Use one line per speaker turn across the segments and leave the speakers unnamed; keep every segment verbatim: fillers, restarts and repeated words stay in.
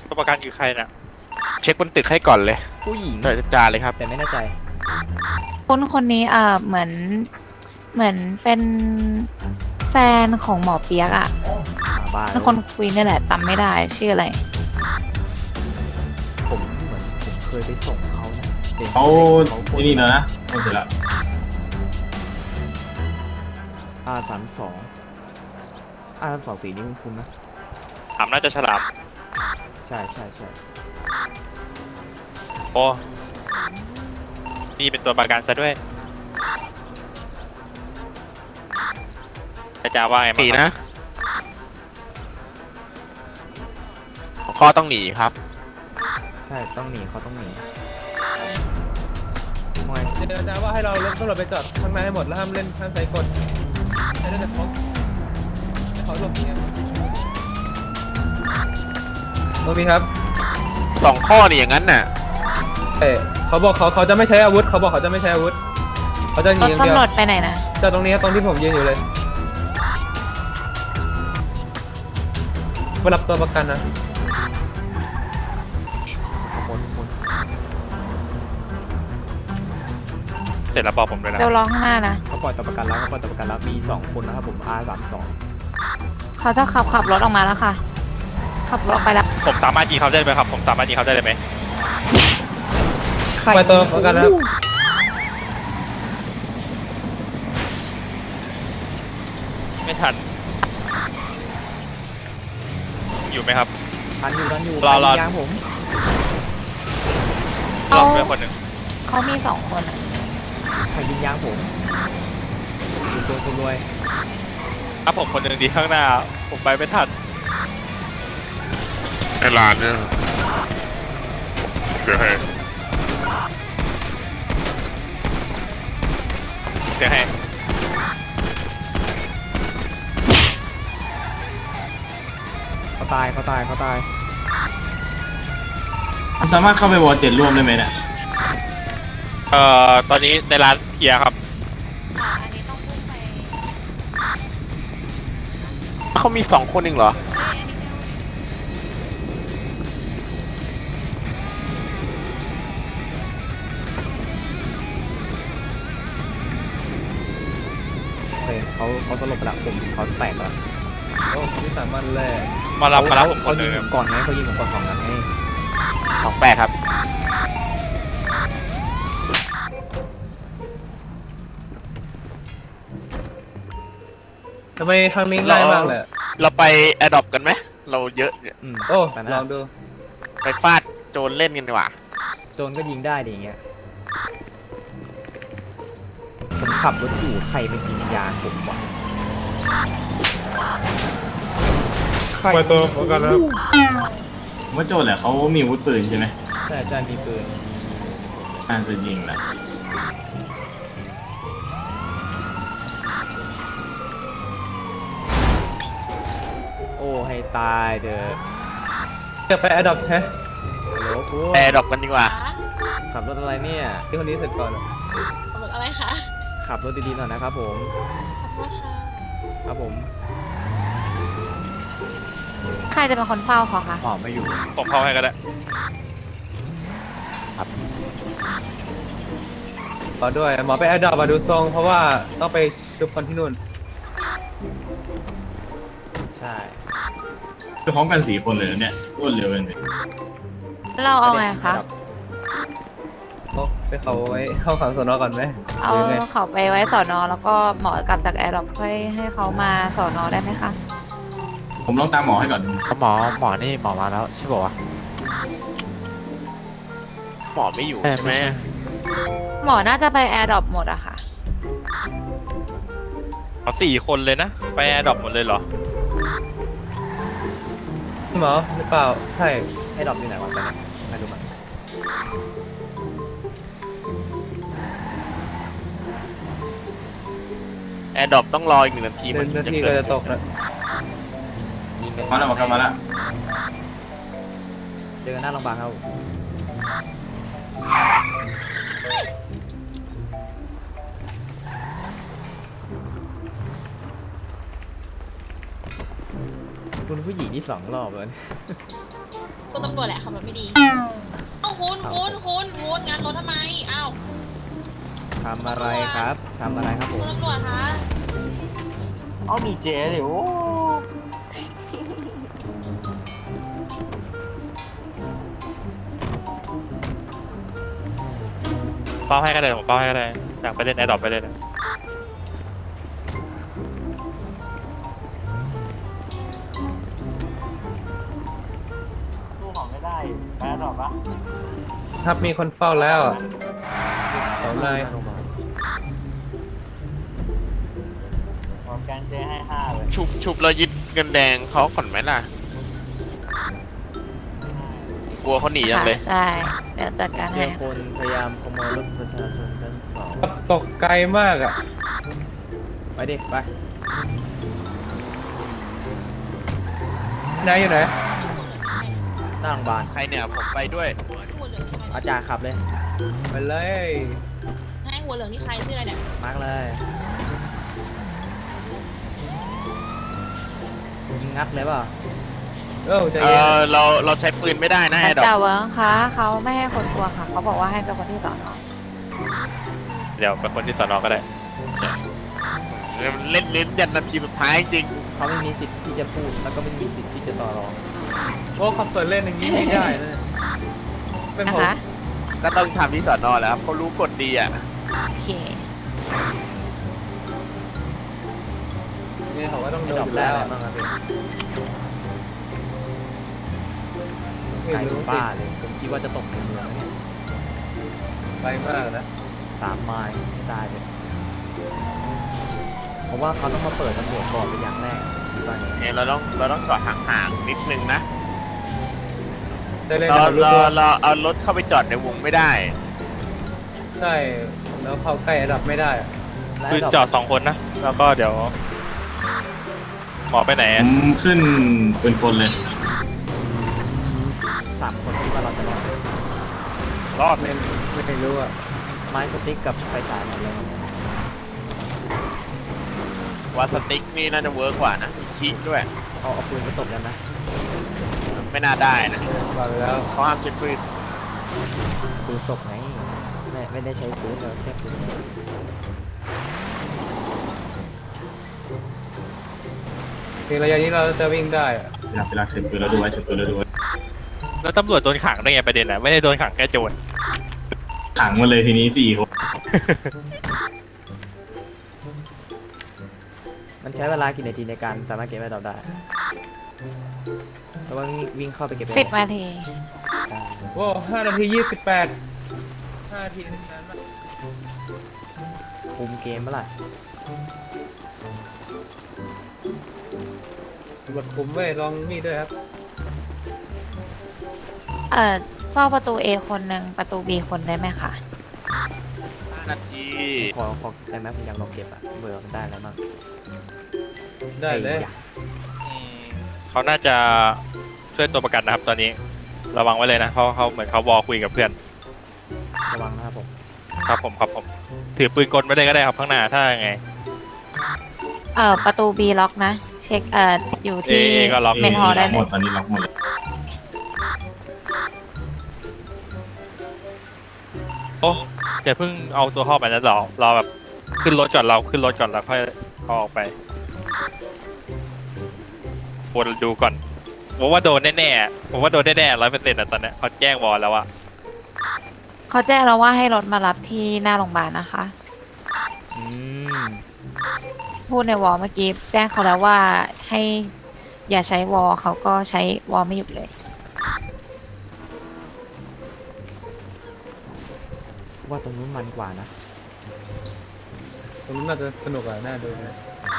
ตัวประกันคือใครน่ะ
เช็คบนตึกให้ก่อนเลย
ผู้หญิง
โดยจาเลยครับ
แต่ไม่แน่ใจ
คนคนนี้เอ่อเหมือนเหมือนเป็นแฟนของหมอเปียกอะ
มาบ้าน
เป็นคนคุยนี่แหละจำไม่ได้ชื่ออะไร
ผมเหมือนผมเคยไปส่งเขานะด็ก
เขา
เขา
ที่นี่แล้วนะหมดเสร็จแล้ว
อาสามสองอาสามสองสีนี้คุณคุณนะ
ถามน่าจะฉลาม
ใช่ใช่ใช่
โอ้นี่เป็นตัวประกันซะด้วยอาจารย์ว่าไง
หนี
บ้าง
นะข้อต้องหนีครับ
ใช่ต้องหนีเขาต้องหนีทำไม
เดี๋ยวอาจารย์ว่าให้เรารถตำรวจไปจอดข้างในให้หมดแล้วห้ามเล่นห้ามใส่กฎให้ได้แต่เขาให้เขาหลบเนี่ยตรงนี้ครับ
สองข้อนี่อย่างนั้นน่ะ
เอ้เขาบอกเขาเขาจะไม่ใช้อาวุธเขาบอกเขาจะไม่ใช้อาวุธเขาจะห
ร
นี
ถ
อย่างเดียว
ตำรวจไปไหนนะ
จอดตรงนี้ครับตรงที่ผมยืนอยู่เลยไปรับตัวประกันนะ
คนคน
เสร็จแล้วบอกผมด้วยนะ
เดี๋ยวรอข้างหน้านะ
เขาปล่อยตัวประกันแล้วเขาปล่อยตัวประกันแล้วมีสองคนนะครับผม อาสามสอง
เขาจะขับขับรถออกมาแล้วค่ะ ขับรถออกไปแล้ว
ผมสามารถยิงเขาได้ไหมครับผมสามารถยิงเขาได้เลยไหม
ไปตัวประกันนะครับ
ไม่ทัน อยู่ไหมครับ
ทันอยู่ทันอยู่
รอรอ
ใคยิงยางผม
รอบด้วยคนหนึ่ง
เขามีสองคนอะ
ใครยิงยางผมดูโซนคนรวย
ถ้าผมคนหนึ่งดีข้างหน้า ผมไปไม่ทัน
ไอ้ลานเนี่ยเดี๋ยวให้
เดี๋ยวให้
เขาตายเขาตายเขาตาย
สามารถเข้าไปวอลเจ็ดร่วมได้ไหมเนี่ย
เอ่อตอนนี้ในร้านเคลียร์ครับ
อันนี้ต้องพุ่งไป
เขามีสองคนเองเหรอ
โอเคเขาเขาสลบไปแล้วผมเขาแตกแล้ว
โอ้วิสามันเลย
มารับมารับผม
เขา
คนห
ยิ
นึ่
ง
ง
ผมก่อนไงเขายิงผมก่อนสองนัดไง
สองแปดครับ
ทำไมครั้งนี้ง่ายมากเลย
เราไปแอดดอปกันไหม เราเยอะเนี่ย
อืม
โอ้
แต่
ล
นะ
องดู
ไปฟาดโจรเล่นกันดีกว่า
โจรก็ยิงได้ดิอย่างเงี้ยผมขับรถอยู่ใครไปยิงยางผมวะใคร
ไปตัวประกันนะครับ
ผมว่าโจทย์แหละเขามีอาวุธปืนใช่ไหม
แต่อาจารย์มีปืน
น่าจะยิงนะ
โอ้ให้ตายเถอะ
จะไปแอดดอปแท้
ฮัลโหลคุณ
แอร์ดรอปกันดีกว่า
ขับรถอะไรเนี่ย
ที่คนนี้เสร็จก่อนอะ
หมึกอะไรคะ
ขับรถดีๆหน่อยนะครับผม
ขอบคุณค่ะ
ครับผม
ใครจะเป็นคนเฝ้าเขาคะ
หอมไม่อยู่
ผมเข้าให้ก็ได้
ขอด้วยหมอไปแอดดอปมาดูทรง เพราะว่าต้องไปดูคนที่นู่น
ใช่
คือพร้อมกันสี่คนเลยนะเนี่ยรวดเร็วเลย
เราเอาไงคะ
โอ้ไปเขาไว้เข้าขังสนก่อนไหม
เอา
หรือไง
เขาไปไว้สอนอแล้วก็หมอกลับจากแอร์ดรอปค่อยให้เขามาสอนอได้ไหมคะ
ผมลองตามหมอให้ก่อน
หมอหมอนี่หมอมาแล้วใช่ป่าวะหมอไม่อยู่ใช่ไหม
หมอน่าจะไปแอร์ดรอปหมดอะค่ะ
เอาสี่คนเลยนะ ไปแอร์ดรอปหมดเลยเหรอ
หมอหรือเปล่า ใช่
ให้ดรอปที่ไหนวะตอนนี้ไม่รู้มัน
แอร์ดรอปต้องรออีกหนึ่งนาที
ห
มั
นึ่
น
งนา
จะ
ที
เกิ
ก็
ด
จะตกแล้ว
ยิงกัน
มาแล้วมาแล้วมาแล้ว
เจอกันหน้าโรงพยาบาลครับคุณผู้หญิงที่สองรอบเลย
คุณตำรวจแหละขับรถไม่ดีเอ้าคุณคุณคุณคุณงานรถทำไมอ้าว
ทำอะไรครับทำอะไรครับผ
คุณ
ม
ตำรวจคะ
เอามีเจดิโอ้
เป้าให้ก็ได้ผมเป้าให้ก็ได้อยากไปเล่นแอดดอปไปเล่น
สู้ของไม่ได้แพ้หรอกปะ
ครับมีคนเฝ้าแล้วอะสองนาย
บอกแกนเจให้ห้าเลย
ชุบชุบแล้วยึดเงินแดงเขาก่อนไหมล่ะ กลัวเขาหนียังเลย
ค่ะได้เดี๋ยวจัดการ
เจ
ให้
อคนพยายามขโมยรถประชาชนชั้นสอง
ตกไกลมากอ่ะ
ไปดิไป
นายอยู่ไหน
หน้าโรงพยาบาล
ใครเนี่ยผมไปด้วย
หัวเหลืองนี่ใคร
อาจารย์ขับเลย
ไปเลย
ให้หัวเหลืองนี่ใครเสื้อเนี่ย
มาร์กเลยยิงงัดเลยเปล่า
เออใจ
เอ
เย็น
อเราเราใช้ปืนไม่ได้นะแอดดอ
จ่า
ป
เวิร์งคะเขาไม่ให้คนกลัวค่ะเขาบอกว่าให้เป็นคนที่สอนอ
เดี๋ยวเป็นคนที่สอนอก็ได้
เล่นลิ้นยันนาทีสุดท้ายจริง
เขาไม่มีสิทธิ์ที่จะพูดแล้วก็ไม่มีสิทธิ์ที่จะต่อรอง
โอ้ขับสวนเล่นอย่างนี้ไม่ได้นะเป็น
นะ
ผม
คะ
ก็ต้องทำที่สอนอแหล้วครับเขารู้กฎดีอ่ะ
โอเค
นี่เขาก็ต้อง
ไม่
โด
ด
น
อก
อยู่
ได้
แล้ว
อะไรบ้างครับพี่
ไม่
ไกล
รู้
บ้าเลยผมคิดว่าจะตกในเมืองนะเนี่ย
ไปมากนะ
สามไมล์ไม่ได้เลยเพราะว่าเขาต้องมาเปิดตำรวจก่อนเป็นอย่างแรกคิดว่าอย่างนี้
เนี่ยเราต้องเราต้องจอดห่างๆนิดนึงนะ
ได้เล่น
เรา
กับลูก
เรา
ตัว
เราเอารถเข้าไปจอดในวงไม่ได้
ใช่แล้วเข้าใกล้ระดับไม่ได้อะ
และ
คือ
ดอก
จอดสองคนนะ แล้วก็เดี๋ยว หมอไปไหน
ผมขึ้นปืนกลเลย
สามคนคิดว่าเราจะรอด
รอด
ไม่ไม่รู้อ่ะ
ไม้สติ๊กกับไฟฉายหมดเลยวันนี้
ว่าสติ๊กนี่น่าจะเวิร์กกว่านะมีคิด้วย
เอาเอาปืนไปตบกันนะ
ไม่น่าได้นะ
บอกแล้ว
เขาห้ามใช้ปืน
ปืนศพไงไม่ไม่ได้ใช้ปืนเลยแค่ปืน
ในระยะนี้เราจะวิ่งได้อะ
เวลาเวลาเช็ดปืนแล้วดูไว้เช็ดปืนแล้วดูไว้
แล้วตำรวจโดนขังได้ไงประเด็นอ่ะ ไม่ได้โดนขังแค่โจร
ขังมาเลยทีนี้สี่คน
มันใช้เวลากี่นาทีในการสามารถเก็บไว้ดอกได้แต่ว่าวิ่งวิ่งเข้าไปเก็บไว้
สิบนาที
ได้
โอ้ห้านาทียี่สิบแปดห้านาทีนานมาก
คุมเกมเมื่อไหร่
กดคุมไว้ลองนี่ด้วยครับ
เอ่อเฝ้าประตู A คนหนึ่งประตู B คนได้ไหมคะ
ห้านาที
ขอขอได้ไหมผมอยากลองเก็บอะเบื่อมันได้แล้วมั้ง
ได้เลย
อ้า
อืมเขาน่าจะช่วยตัวประกันนะครับ ตอนนี้ ระวังไว้เลยนะเพราะเขาเหมือนเขาวอลคุยกับเพื่อน
ระวังนะครับผม
ครับผมครับผม ถือปืนกลไว้เลยก็ได้ครับข้างหน้าถ้ายังไง
เอ่อประตู B ล็อกนะ เช็คเอ่ออยู่ที่
A ก็ล็อก
เมนฮอลได้
ล็อก
เล
หม
ย
ดตอนนี้ล็อกหมดเลย
โอ้เดี๋ยวเพิ่งเอาตัวเข้าไปนะรอรอแบบขึ้นรถก่อนเราขึ้นรถก่อนแล้วค่อยเอาออกไปวนดูก่อนผมว่าโดนแน่ๆผมว่าโดนแน่ๆร้อยเปอร์เซ็นต์อะตอนเนี้ยเขาแจ้งวอลแล้วอะ
เขาแจ้งเราว่าให้รถมารับที่หน้าโรงพยาบาลนะคะ
อืม
พูดในวอลเมื่อกี้แจ้งเขาแล้วว่าให้อย่าใช้วอลเขาก็ใช้วอลไม่หยุดเลย
ว่าตรงนู้นมันกว่านะ
ตรงนู้นน่าจะสนุกอ่ะน่าดูนะ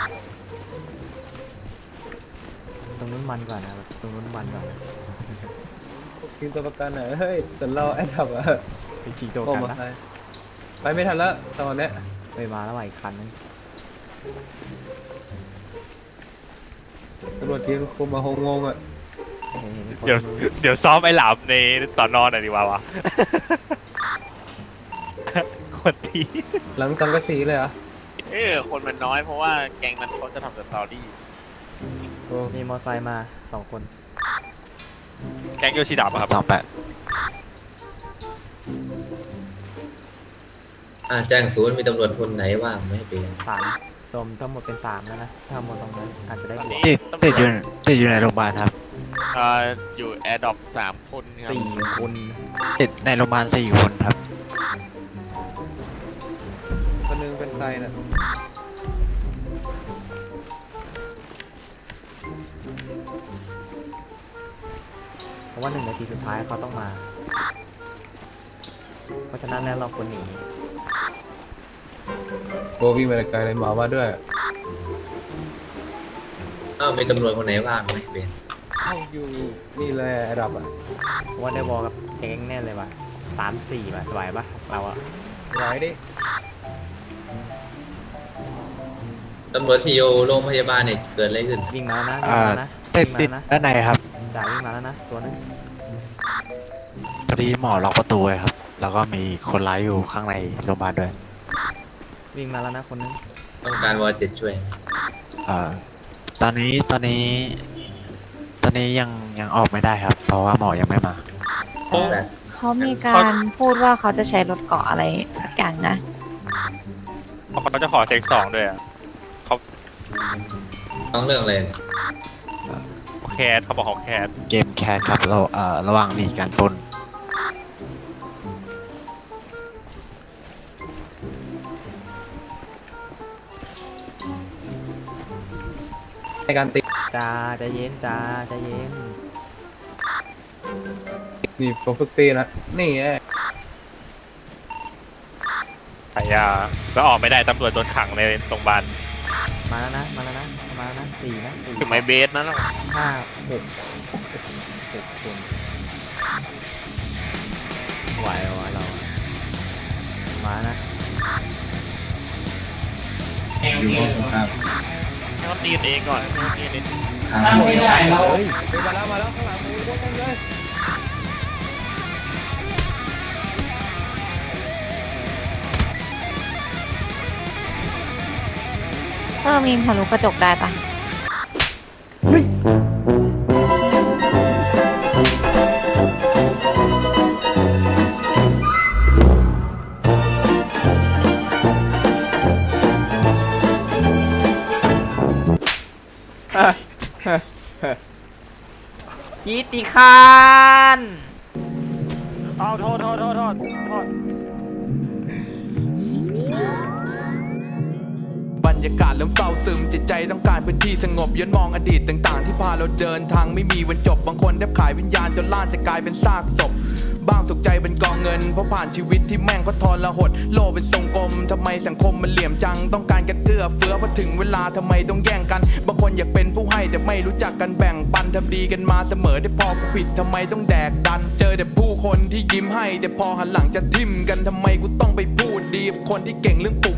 ตรงนู้นมันกว่านะตรงนู้นมันกว่านะ
ทีมตัวประกันอ่ะเฮ้ยแต่เราแอดดับอ่ะ
ไปฉีกตัว
โอ้
กัน
มา
นะ
ไปไปไม่ทันแล้วตอนเนี้ย
ไปมาแล้วว่ะอีกคันนึง
ตำรวจทีมคุมมาหงงงอ่ะ
เห็นเห็นคน
เดี๋ยวเดี๋ยวซ้อมไอ้หลามในตอนนอนหน่อยดีกว่าวะ คนที
หลังสังกะสีเลยเหรอ่ะ
เออคนมันน้อยเพราะว่าแก๊งนั้นเขาจะทำสตอรี่
โอ้
มีมอไซค์มาสองคน
แก๊งโยชิดะป่ะครับ
สองแปด
อ่าแจ้งศูนย์มีตำรวจคนไหนว่างไหมเปลี่ยน
สามรวมทั้งหมดเป็นสามแล้วนะถ้าหมดตรงนั้นอาจจะได้บวก
ติดติดอยู่ติดอยู่ในโรงพยาบาลครับ
เอ่ออยู่แอร์ดรอปสามคนครับ
สี่คน
ติดในโรงพยาบาลสี่คนครับ
คนหนึงเป็นใครนะ
เพราะว่าหนึ่งนาทีสุดท้ายเขาต้องมา เพราะฉะนั้นแล้วเราควรหนี
โบวิ่งไปไกลเลยหมอมาด้วย
อ้าวมีตำรวจคนไหนว่างไหมเปลี่ยน
เอ้าอยู่นี่เลยไอ้ดับอ่ะ
เพราะว่าได้บอกกับแก๊งแน่เลยว่ะสามสี่ว่ะไหวปะเราอะ
ไหวดิ
ตำรวจที่อยู่โรงพยาบาลเนี่ยเกิดอะไรขึ้น
วิ่งมาแล้วนะวิ่
อ่าง
มาแล้วนะ
ติด
วิ่ง
ติด
มาแล้วนะ
ด้านในครับ
จ่าวิ่งมาแล้วนะตัวนึง
พอดีหมอล็อกประตูไว้ครับ แล้วก็มีคนร้ายอยู่ข้างในโรงพยาบาลด้วย
วิ่งมาแล้วนะคนนึง
ต้องการวอเจ็ดช่วย
เอ่อตอนนี้ตอนนี้ ตอนนี้ยังยังออกไม่ได้ครับ เพราะว่าหมอยังไม่มา
โอ้
แต่
เขามีการพูดว่าเขาจะใช้รถเกาะอะไรสักอย่างนะ
เขาจะขอเทคสองด้วยอ่ะเขา
ต้องเรื่องอะไรเนี่ย
เขาแคสเขาบอกเขาแคส
เกมแคสครับเราเอ่อระหว่างหนีการปล้น
ในการติด
จ่าใจเย็นจ่าใจเย็น
นี่ผมฝึกตีนะนี่ไง
ขายยาแล้วออกไม่ได้ตำรวจโดนขังในโรงพยาบาล
มาแล้วนะมาแล้วนะมาแล้วนะสี่นะสี่
ถึงไมเบสนั่นหรอ
ห้าหกหกคนไหวไหวเรามานะ
อยู่ห้องตรงข้าม
ให้เขาตีกันเองก่อนให้เขาตีกันเอง
ไม่ได้เราเฮ้ยมาแล้วมาแล้วข้างหลังมูยกกันเลย
เออมีนทะลุกระจกได้ปะ
คิติคาน
เอาโทษโทษโทษโทษโทษ
บรรยากาศเริ่มเศร้าซึมจิตใจต้องการพื้นที่สงบย้อนมองอดีตต่างๆที่พาเราเดินทางไม่มีวันจบบางคนแทบขายวิญญาณจนล่านจะกลายเป็นซากศพบ้างสุขใจเป็นกองเงินเพราะผ่านชีวิตที่แม่งก็ทรหดโลกเป็นทรงกลมทำไมสังคมมันเหลี่ยมจังต้องการกันเอื้อเฟื้อพอถึงเวลาทำไมต้องแย่งกันบางคนอยากเป็นผู้ให้แต่ไม่รู้จักกันแบ่งปันทำดีกันมาเสมอได้พอกูผิดทำไมต้องแดกดันเจอแต่ผู้คนที่ยิ้มให้แต่พอหันหลังจะทิ่มกันทำไมกูต้องไปพูดดีกับคนที่เก่งเรื่องปลุก